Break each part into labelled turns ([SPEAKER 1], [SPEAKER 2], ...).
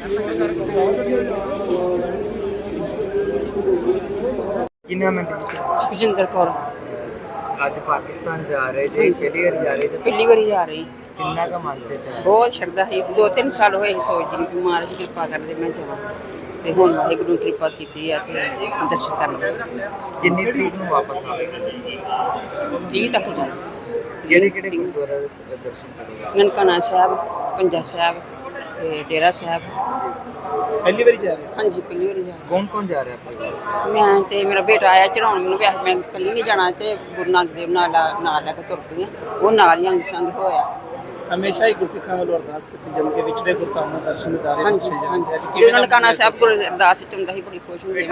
[SPEAKER 1] ਕੀ ਨਾਮ ਹੈ?
[SPEAKER 2] ਸੁਖਜਿੰਦਰ ਕੌਰ।
[SPEAKER 1] ਅੱਜ ਪਾਕਿਸਤਾਨ ਜਾ ਰਹੇ ਜੇ, ਪਹਿਲੀ ਵਾਰ ਜਾ ਰਹੇ ਜੇ?
[SPEAKER 2] ਪਹਿਲੀ ਵਾਰੀ ਜਾ ਰਹੀ।
[SPEAKER 1] ਕਿੰਨਾ ਕੁ ਮਨ ਚ ਚਾਅ?
[SPEAKER 2] ਬਹੁਤ ਸ਼ਰਧਾ ਸੀ। 2-3 ਸਾਲ ਹੋਏ ਸੀ ਸੋਚਦੀ ਨੂੰ ਕਿ ਮਹਾਰਾਜ ਕਿਰਪਾ ਕਰਦੇ ਮੈਂ ਜਾਵਾਂ, ਤੇ ਹੁਣ ਵਾਹਿਗੁਰੂ ਨੇ ਕਿਰਪਾ ਕੀਤੀ ਆ ਤੇ ਦਰਸ਼ਨ ਕਰਨ ਲਈ।
[SPEAKER 1] ਕਿੰਨੀ ਤਰੀਕ ਨੂੰ ਵਾਪਸ ਆਵੇਗੀ?
[SPEAKER 2] 30 ਤੱਕ ਜਾਣਾ।
[SPEAKER 1] ਕਿਹੜੇ ਗੁਰਦੁਆਰਾ ਦੇ ਦਰਸ਼ਨ ਕਰੇਗਾ?
[SPEAKER 2] ਨਨਕਾਣਾ ਸਾਹਿਬ, ਪੰਜਾ ਸਾਹਿਬ ਤੇ ਡੇਰਾ ਸਾਹਿਬ।
[SPEAKER 1] ਪਹਿਲੀ ਵਾਰੀ ਜਾ ਰਹੇ?
[SPEAKER 2] ਹਾਂਜੀ, ਪਹਿਲੀ ਵਾਰੀ ਜਾ ਰਹੀ।
[SPEAKER 1] ਕੌਣ ਜਾ ਰਿਹਾ ਆਪਣੇ?
[SPEAKER 2] ਮੈਂ ਤੇ ਮੇਰਾ ਬੇਟਾ ਆਇਆ ਚੜਾਉਣ ਮੈਨੂੰ, ਵੈਸੇ ਮੈਂ ਇਕੱਲੀ ਨਹੀਂ ਜਾਣਾ, ਤੇ ਗੁਰੂ ਨਾਨਕ ਦੇਵ ਨਾਲ ਲੈ ਕੇ ਤੁਰ ਪਈ ਹਾਂ। ਉਹ ਨਾਲ ਹੀ ਅੰਗ ਸੰਗ ਹੋਇਆ।
[SPEAKER 3] ਹਮੇਸ਼ਾ ਹੀ ਗੁਰਸਿੱਖਾਂ ਵੱਲੋਂ ਅਰਦਾਸ ਕੀਤੀ ਜਾਂਦੀ ਹੈ ਵਿਛੜੇ ਗੁਰਧਾਮਾਂ ਦਰਸ਼ਨ ਦਿਦਾਰੇ
[SPEAKER 2] ਹਾਂਜੀ
[SPEAKER 3] ਬਖਸ਼ੇ ਜਾਂਦੇ ਆ।
[SPEAKER 2] ਤੇ ਨਨਕਾਣਾ ਸਾਹਿਬ ਕੋਲ ਅਰਦਾਸ ਵਿੱਚ ਹੁੰਦਾ ਸੀ, ਬੜੀ ਖੁਸ਼ ਹੁੰਦੀ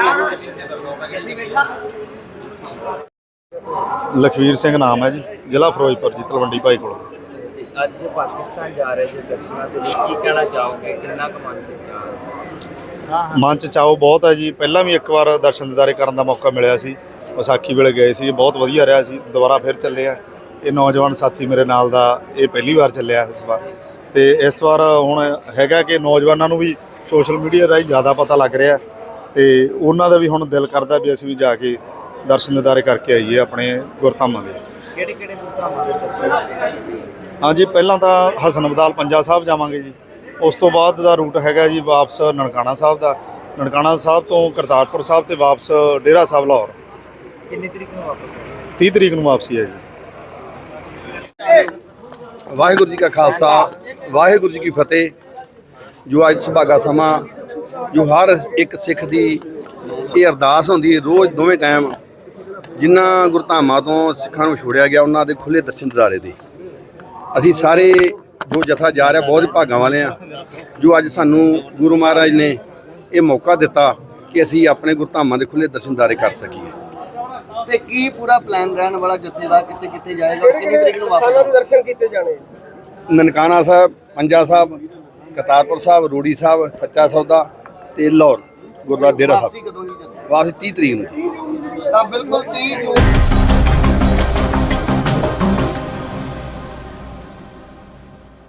[SPEAKER 4] ਲਖਵੀਰ ਸਿੰਘ ਨਾਮ ਹੈ ਜੀ, ਜ਼ਿਲ੍ਹਾ ਫਿਰੋਜ਼ਪੁਰ ਜੀ, ਤਲਵੰਡੀ ਭਾਈ ਕੋਲ।
[SPEAKER 1] ਅੱਜ ਪਾਕਿਸਤਾਨ ਜਾ ਰਹੇ ਜੇ, ਦਰਸ਼ਨਾਂ ਦੇ ਵਿੱਚ ਕੀ ਕਹਿਣਾ ਚਾਹੋਗੇ? ਕਿੰਨਾ ਕੁ ਮਨ ਚ ਚਾਅ?
[SPEAKER 4] ਮਨ 'ਚ ਚਾਓ ਬਹੁਤ ਹੈ ਜੀ। ਪਹਿਲਾਂ ਵੀ ਇੱਕ ਵਾਰ ਦਰਸ਼ਨ ਦਿਦਾਰੇ ਕਰਨ ਦਾ ਮੌਕਾ ਮਿਲਿਆ ਸੀ, ਵਿਸਾਖੀ ਵੇਲੇ ਗਏ ਸੀ, ਬਹੁਤ ਵਧੀਆ ਰਿਹਾ ਸੀ। ਦੁਬਾਰਾ ਫਿਰ ਚੱਲੇ ਆ। ਇਹ ਨੌਜਵਾਨ ਸਾਥੀ ਮੇਰੇ ਨਾਲ ਦਾ ਇਹ ਪਹਿਲੀ ਵਾਰ ਚੱਲਿਆ ਇਸ ਵਾਰ, ਤੇ ਇਸ ਵਾਰ ਹੁਣ ਹੈਗਾ ਕਿ ਨੌਜਵਾਨਾਂ ਨੂੰ ਵੀ ਸੋਸ਼ਲ ਮੀਡੀਆ ਰਾਹੀਂ ਜ਼ਿਆਦਾ ਪਤਾ ਲੱਗ ਰਿਹਾ, ਤੇ ਉਹਨਾਂ ਦਾ ਵੀ ਹੁਣ ਦਿਲ ਕਰਦਾ ਵੀ ਅਸੀਂ ਵੀ ਜਾ ਕੇ ਦਰਸ਼ਨ ਦਿਦਾਰੇ ਕਰਕੇ ਆਈਏ ਆਪਣੇ ਗੁਰਧਾਮਾਂ ਦੇ।
[SPEAKER 1] ਕਿਹੜੇ ਗੁਰਧਾਮਾਂ ਦੇ ਦਰਸ਼ਨ?
[SPEAKER 4] ਹਾਂਜੀ, ਪਹਿਲਾਂ ਤਾਂ ਹਸਨ ਅਬਦਾਲ ਪੰਜਾ ਸਾਹਿਬ ਜਾਵਾਂਗੇ ਜੀ। ਉਸ ਤੋਂ ਬਾਅਦ ਦਾ ਰੂਟ ਹੈਗਾ ਜੀ ਵਾਪਸ ਨਨਕਾਣਾ ਸਾਹਿਬ ਦਾ। ਨਨਕਾਣਾ ਸਾਹਿਬ ਤੋਂ ਕਰਤਾਰਪੁਰ ਸਾਹਿਬ ਤੇ ਵਾਪਸ ਡੇਰਾ ਸਾਹਿਬ ਲਾਹੌਰ।
[SPEAKER 1] ਕਿੰਨੀ ਤਰੀਕ ਨੂੰ ਵਾਪਸ ਆਉਣਾ?
[SPEAKER 4] 30 ਤਰੀਕ ਨੂੰ ਵਾਪਸੀ ਹੈ ਜੀ।
[SPEAKER 5] ਵਾਹਿਗੁਰੂ ਜੀ ਕਾ ਖਾਲਸਾ, ਵਾਹਿਗੁਰੂ ਜੀ ਕੀ ਫਤਿਹ। ਜੋ ਅੱਜ ਸੁਭਾਗਾ ਸਮਾਂ, ਜੋ ਹਰ ਇੱਕ ਸਿੱਖ ਦੀ ਇਹ ਅਰਦਾਸ ਹੁੰਦੀ ਹੈ ਰੋਜ਼ ਦੋਵੇਂ ਟਾਈਮ, ਜਿਨ੍ਹਾਂ ਗੁਰਧਾਮਾਂ ਤੋਂ ਸਿੱਖਾਂ ਨੂੰ ਛੋੜਿਆ ਗਿਆ ਉਹਨਾਂ ਦੇ ਖੁੱਲ੍ਹੇ ਦਰਸ਼ਨ ਦਿਦਾਰੇ ਦੇ। ਅਸੀਂ ਸਾਰੇ ਜੋ ਜਥਾ ਜਾ ਰਿਹਾ ਬਹੁਤ ਭਾਗਾਂ ਵਾਲੇ ਆ, ਜੋ ਅੱਜ ਸਾਨੂੰ ਗੁਰੂ ਮਹਾਰਾਜ ਨੇ ਇਹ ਮੌਕਾ ਦਿੱਤਾ ਕਿ ਅਸੀਂ ਆਪਣੇ ਗੁਰਧਾਮਾਂ ਦੇ ਖੁੱਲ੍ਹੇ ਦਰਸ਼ਨ ਦਿਦਾਰੇ ਕਰ ਸਕੀਏ।
[SPEAKER 6] ਤੇ ਕੀ ਪੂਰਾ ਪਲਾਨ ਰਹਿਣ ਵਾਲਾ ਜੱਥੇ ਦਾ, ਕਿੱਥੇ ਕਿੱਥੇ ਜਾਏਗਾ, ਕਿੰਨੀ ਤਰੀਕ ਨੂੰ ਵਾਪਸ?
[SPEAKER 3] ਦਰਸ਼ਨ ਕੀਤੇ ਜਾਣੇ?
[SPEAKER 5] ਨਨਕਾਣਾ ਸਾਹਿਬ, ਪੰਜਾ ਸਾਹਿਬ, ਕਰਤਾਰਪੁਰ ਸਾਹਿਬ, ਰੂੜੀ ਸਾਹਿਬ, ਸੱਚਾ ਸੌਦਾ ਤੇ ਲਾਹੌਰ ਗੁਰਦੁਆਰਾ ਡੇਰਾ
[SPEAKER 6] ਵਾਪਸੀ
[SPEAKER 5] ਸਾਹਿਬ।
[SPEAKER 6] ਕਦੋਂ ਜੀ ਜੱਥੇ?
[SPEAKER 5] ਵਾਪਸ 30 ਤਰੀਕ ਨੂੰ।
[SPEAKER 6] ਤਾਂ ਬਿਲਕੁਲ 30 ਜੂਨ